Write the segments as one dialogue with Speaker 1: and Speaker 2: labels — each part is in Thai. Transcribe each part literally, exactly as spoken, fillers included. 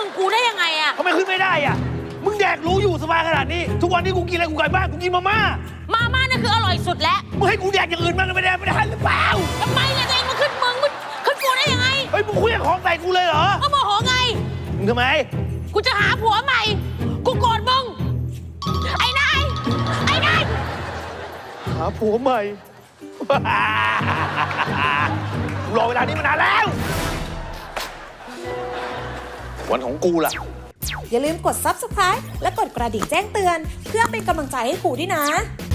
Speaker 1: งกูได้ยังไงอะ
Speaker 2: ทำไมขึ้นไม่ได้อะมึงแดกรู้อยู่สบายขนาดนี้ทุกวันนี้กูกินอะไรกูไก่บ้านกูกินมาม่า
Speaker 1: มาม่านั่นคืออร่อยสุดแล้ว
Speaker 2: มึงให้กูแดกอย่างอื่นบ้างไม่ได้ไม่ได้หรือเปล่า
Speaker 1: ทำไมล่ะตัวเองมาขึ้นมึงมึงขึ้นกูได้ยังไง
Speaker 2: เฮ้ยมึงคุยกับของใส่กูเลยเหรอ
Speaker 1: ก็โมโหไง
Speaker 2: มึงทำไม
Speaker 1: กูจะหาผัวใหม่กูโกรธมึงไอ้นายไอ้นาย
Speaker 2: หาผัวใหม่รอเวลานี้มานานแล้ววันของกูล่ะ
Speaker 3: อย่าลืมกด ซับสไครบ์ และกดกระดิ่งแจ้งเตือนเพื่อเป็นกำลังใจให้ครูด้วยนะ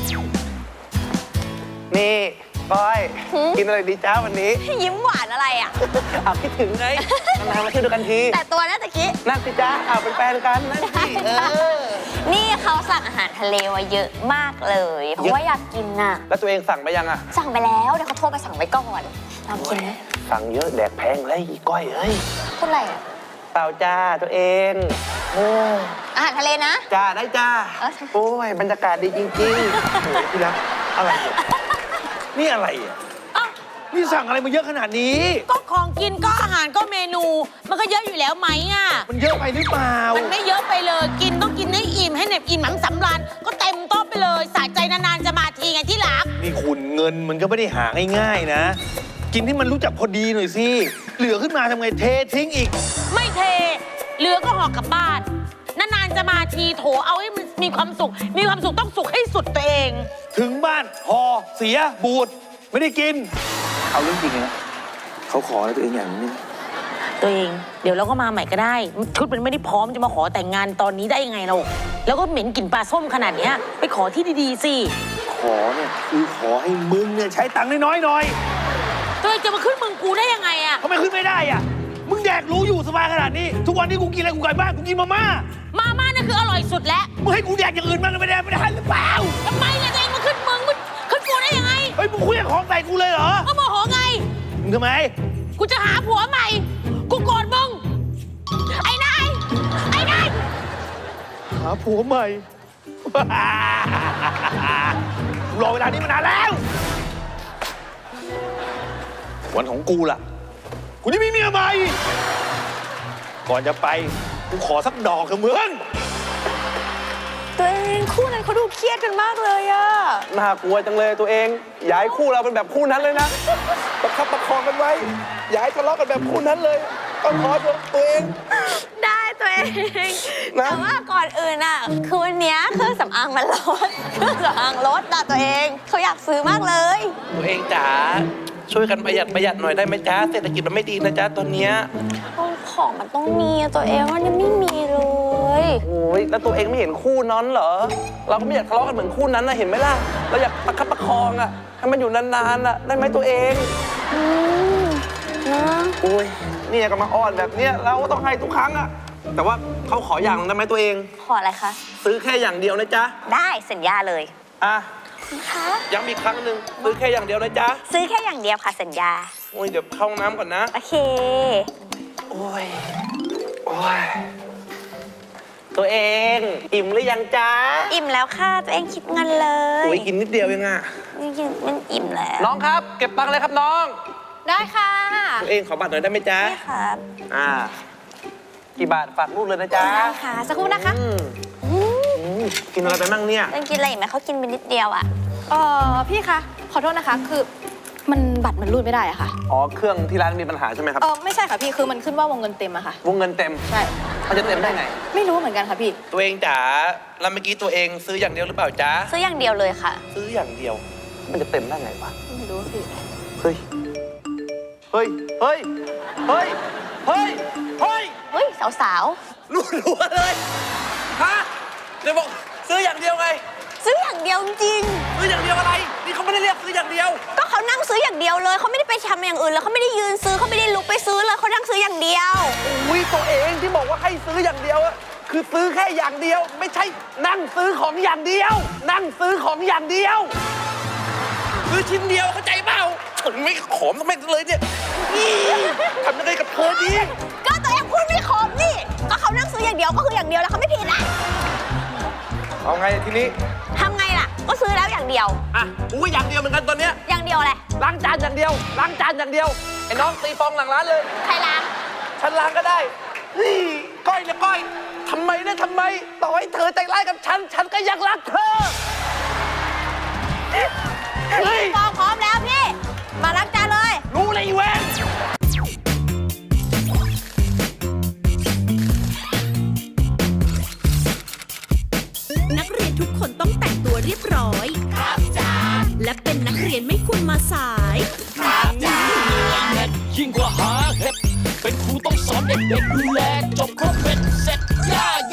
Speaker 4: นี่ก้อยกินอะไรดีจ้าวันนี้
Speaker 5: ยิ้มหวานอะไรอ่ะ
Speaker 4: เอาคิดถึงไงนานๆมาเที่ยวด้วยกันที
Speaker 5: แต่ตัวน่าตะกี้
Speaker 4: นั่งสิจ้าเอาเป็นแฟนกันนั่งสิเออ
Speaker 5: นี่เขาสั่งอาหารทะเลมาเยอะมากเลยเพราะว่าอยากกินน่ะ
Speaker 4: แล้วตัวเองสั่งไปยังอ่ะ
Speaker 5: สั่งไปแล้วเดี๋ยวเขาโทรไปสั่งไว้ก่อนลองกินไหม
Speaker 4: สั่งเยอะแดกแพงเลยก้อยเอ้ย
Speaker 5: พูดอะไรอ่ะ
Speaker 4: เปล่าจ้าตัวเองโอ้
Speaker 5: อาหารทะเลนะ
Speaker 4: จ้าได้จ้าโอ้ยบรรยากาศดีจริงๆโอ้ยพี่รักอะไรนี่อะไรอ่ะ
Speaker 2: นี่สั่งอะไรมาเยอะขนาดนี้
Speaker 1: ก็ของกินก็อาหารก็เมนูมันก็เยอะอยู่แล้วไหมอ่ะ
Speaker 2: มันเยอะไปหรือเปล่า
Speaker 1: มันไม่เยอะไปเลยกินต้องกินให้อิ่มให้เหน็บอิ่มหนังสำราญก็เต็มโต๊ะไปเลยสะใจนานๆจะมาทีไงที่รัก
Speaker 2: นี่คุณเงินมันก็ไม่ได้หาง่ายๆนะกินที่มันรู้จักพอดีหน่อยสิเหลือขึ้นมาทำไงเททิ้งอีก
Speaker 1: ไม่เทเหลือก็ห่อกลับบ้านนานๆจะมาทีโถเอาให้มันมีความสุขมีความสุขต้องสุขให้สุดตัวเอง
Speaker 2: ถึงบ้านห่อเสียบูดไม่ได้กิน
Speaker 4: เอาเรื่องจริงนะเขาขออะไรตัวเองอย่างนี้
Speaker 1: ตัวเองเดี๋ยวเราก็มาใหม่ก็ได้ชุดมันไม่ได้พร้อมจะมาขอแต่งงานตอนนี้ได้ยังไงเราแล้วก็เหม็นกลิ่นปลาส้มขนาดเนี้ยไปขอที่ดีๆสิ
Speaker 2: ขอเนี่ยคือขอให้มึงเนี่ยใช้ตังค์น้อยๆหน่อย
Speaker 1: ตัวเองจะมาขึ้นมึงกูได้ยังไงอะ
Speaker 2: ทำไมขึ้นไม่ได้อะมึงแดกรู้อยู่สบายขนาดนี้ทุกวันนี้กูกินอะไรกูไก่บ้านกูกินมาม่า
Speaker 1: มาม่านั่นคืออร่อยสุดแล้ว
Speaker 2: มึงให้กูแดกอย่างอื่นบ้างไม่ได้ไม่ได้หรือเปล่า
Speaker 1: ทำไมล่ะตัวเองมาขึ้นมึงมึงขึ้นกูได้ยังไง
Speaker 2: เฮ้ยมึงคุยกับของใส่กูเลยเหรอ
Speaker 1: ก็โมโหไง
Speaker 2: มึงทำไม
Speaker 1: กูจะหาผัวใหม่กูโกรธมึงไอ้นายไอ้นาย
Speaker 2: หาผัวใหม่รอเวลานี้มานานแล้ววันของกูล่ะกูจะมีเมียใหม่ก่อนจะไปกูขอสักดอกเถอะมึง
Speaker 5: ตัวเองคู่นั้นเขาดูเครียดกันมากเลยอะ
Speaker 4: น่ากลัวจังเลยตัวเองอย่าให้คู่เราเป็นแบบคู่นั้นเลยนะประคับประคองกันไว้อย่าให้ทะเลาะกันแบบคู่นั้นเลยต้องขอตัวเอง
Speaker 5: ได้ตัวเองแต่ว่าก่อนอื่นอะคือวันนี้เครื่องสำอางมันลดเครื่องสำอางลดนะตัวเองเขาอยากซื้อมากเลย
Speaker 4: ตัวเองจ๋าช่วยกันประหยัดประหยัดหน่อยได้ไหมจ๊ะเศรษฐกิจมันไม่ดีนะจ๊ะตอนเนี้ย
Speaker 5: ของมันต้องมีตัวเองมันยังไม่มีเลย
Speaker 4: โอ้ยแล้วตัวเองไม่เห็นคู่นั้นเหรอเราก็ไม่อยากทะเลาะกันเหมือนคู่นั้นนะเห็นไหมล่ะเราอยากประคับประคองอะให้มันอยู่นานๆอะได้ไหมตัวเอง
Speaker 5: อืมนะ
Speaker 4: โอ้ยนี่ก็มาอ้อนแบบเนี้ยเราก็ต้องให้ทุกครั้งอะแต่ว่าเขาขออย่างได้ไหมตัวเอง
Speaker 5: ขออะไรคะ
Speaker 4: ซื้อแค่อย่างเดียวนะจ๊ะ
Speaker 5: ได้สัญญาเลย
Speaker 4: อ่ะย้ำอีกครั้งหนึ่งซื้อแค่อย่างเดียวนะจ๊ะ
Speaker 5: ซื้อแค่อย่างเดียวค่ะสัญญา
Speaker 4: โอ้ยเดี๋ยวเข้าน้ำก่อนนะ
Speaker 5: โอเค
Speaker 4: โอ้ยโอ้ยตัวเองอิ่มหรือยังจ๊ะ
Speaker 5: อิ่มแล้วค่ะตัวเองคิดเงินเลย
Speaker 4: โอ้ยกินนิดเดียวเองอะ
Speaker 5: กินมันอิ่มแล้ว
Speaker 4: น้องครับเก็บตังค์เลยครับน้อง
Speaker 5: ได้ค่ะ
Speaker 4: ตัวเองขอบัตรหน่อยได้ไหมจ๊ะ
Speaker 5: ได้ครับ
Speaker 4: อ่ากี่บาทฝากลูกเลยนะจ๊ะ
Speaker 5: ได้ค่ะสักครู่นะคะ
Speaker 4: กินอะไรไปมั่งเนี่ย
Speaker 5: ต้องกินอะไรอีกไหมเขากินไปนิดเดียวอ่ะ
Speaker 6: เออพี่คะขอโทษนะคะคือมันบัตรมันรูดไม่ได้อะค่ะ
Speaker 4: อ๋อเครื่องที่ร้านมีปัญหาใช่ไหมครับ
Speaker 6: เออไม่ใช่ค่ะพี่คือมันขึ้นว่าวงเงินเต็มอะค่ะ
Speaker 4: วงเงินเต็ม
Speaker 6: ใช่
Speaker 4: มันจะเต็มได้ไง
Speaker 6: ไม่รู้เหมือนกันค่ะพี่
Speaker 4: ตัวเองจ๋าแล้วเมื่อกี้ตัวเองซื้ออย่างเดียวหรือเปล่าจ๊ะ
Speaker 5: ซื้ออย่างเดียวเลยค่ะ
Speaker 4: ซื้ออย่างเดียวมันจะเต็มได้ไงวะ
Speaker 6: ไม่รู้พี่
Speaker 4: เฮ้ยเฮ้ยเฮ้ยเฮ้ยเฮ้ยเฮ้ย
Speaker 5: เฮ้ยสาว
Speaker 4: ๆรู้รู้เลยฮะเดี๋ยวบอกซื้ออย่างเดียวไง
Speaker 5: ซื้ออย่างเดียวจริง
Speaker 4: ซื้ออย่างเดียวอะไรนี่เขาไม่ได้เรียกซื้ออย่างเดียว
Speaker 5: ก็เขานั่งซื้ออย่างเดียวเลยเขาไม่ได้ไปทำอย่างอื่นแล้วเขาไม่ได้ยืนซื้อเขาไม่ได้ลุกไปซื้อเลยเขานั่งซื้ออย่างเดียว
Speaker 4: อุ้ยตัวเองที่บอกว่าให้ซื้ออย่างเดียวอะคือซื้อแค่อย่างเดียวไม่ใช่นั่งซื้อของอย่างเดียวนั่งซื้อของอย่างเดียวซื้อชิ้นเดียวเข้าใจเปล่าฉันไม่ขอมไม่เลยเนี่ยทำยังไงกับเธอดี
Speaker 5: ก็ตัวเองพูดไม่ขอมนี่ก็เขานั่งซื้ออย่างเดียวก็คืออย่างเดียวแล้วเขาไม่ผิดนะ
Speaker 4: เอาไงทีนี้
Speaker 5: ทำไงล่ะก็ซื้อแล้วอย่างเดียว
Speaker 4: อ่ะกูก็อย่างเดียวเหมือนกันตอนเนี้ย
Speaker 5: อย่างเดียวอะไร
Speaker 4: ล้างจานอย่างเดียวล้างจานอย่างเดียวไอ้น้องตีฟองหลังร้านเลย
Speaker 5: ใครล้าง
Speaker 4: ฉันล้างก็ได้เฮ้ยก้อยก้อยทำไมนะทำไม ต่อให้เธอใจร้ายกับฉัน ฉันก็ยังรักเธอ เฮ้ย
Speaker 5: ปองพร้อมแล้วพี่ มาล้างจานเลย
Speaker 4: รู้เลยอีเวน
Speaker 7: นักเรียนทุกคนต้องแต่งตัวเรียบร้อย ครับจ้าและเป็นนักเรียนไม่ควรมาสาย
Speaker 8: ยิ่งกว่าหาเห็ดเป็นครูต้องสอนเด็กๆดูแลจบครบเป็น